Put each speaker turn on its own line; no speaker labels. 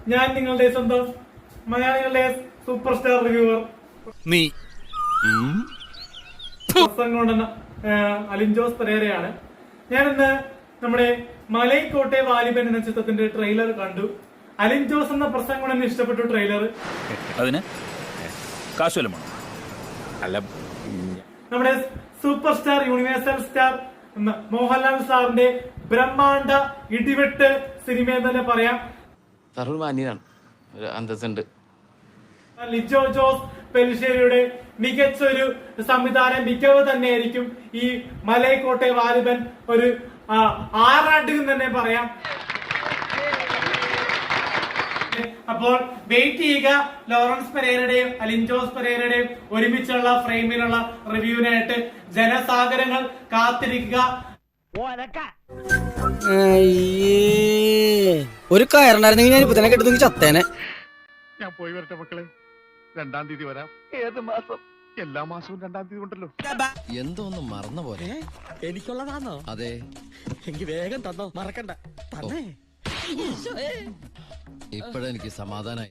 ഞാൻ നിങ്ങളുടെ സ്വന്തം മലയാളികളുടെ സൂപ്പർ സ്റ്റാർ റിവ്യൂവർ
നീ
പ്രസംഗം അലിൻ ജോസ് പെരേരയാണ്. ഞാനിന്ന് നമ്മുടെ മലൈക്കോട്ടെ വാലിബൻ എന്ന ചിത്രത്തിന്റെ ട്രെയിലർ കണ്ടു. അലിൻ ജോസ് എന്ന പ്രസംഗം എന്നെ ഇഷ്ടപ്പെട്ടു. ട്രെയിലർ
അതിന് കാശുവല്ലമാണ് അല്ല.
നമ്മുടെ super star universal star Mohanlal സാറിന്റെ ബ്രഹ്മാണ്ഡ ഇടിവെട്ട് സിനിമ എന്ന് തന്നെ പറയാം.
മാന്യനാണ്, ഒരു അന്തസ്സുണ്ട്.
ലിജോ ജോസ് പെലിശ്ശേരിയുടെ മികച്ച ഒരു സംവിധാന മികവ് തന്നെയായിരിക്കും ഈ മലൈക്കോട്ടെ വാലിബൻ. ഒരു ആറാട്ട് എന്ന് തന്നെ പറയാം. അപ്പോൾ വെയിറ്റ് ചെയ്യുക. ലോറൻസ് പെരേരയുടെയും അലിൻ ജോസ് പെരേരയുടെയും ഒരുമിച്ചുള്ള ഫ്രെയിമിലുള്ള റിവ്യൂവിനായിട്ട് ജനസാഗരങ്ങൾ കാത്തിരിക്കുക.
ഒരു കയറുണ്ടായിരുന്നെങ്കിൽ ഞാൻ ഇപ്പൊ തന്നെ കെട്ടുന്നെങ്കിൽ ചത്തേനെ.
ഞാൻ പോയി വരട്ടെ മക്കളെ. 2-ാം തീയതി വരാം. ഏത് മാസം? എല്ലാ മാസവും 2-ാം തീയതി ഉണ്ടല്ലോ.
എന്തോ ഒന്ന് മറന്ന പോലെ.
എനിക്കുള്ളതാണോ?
അതെ.
എനിക്ക് വേഗം തന്നോ, മറക്കണ്ട. തന്നെ
ഇപ്പോഴെനിക്ക് സമാധാനായി.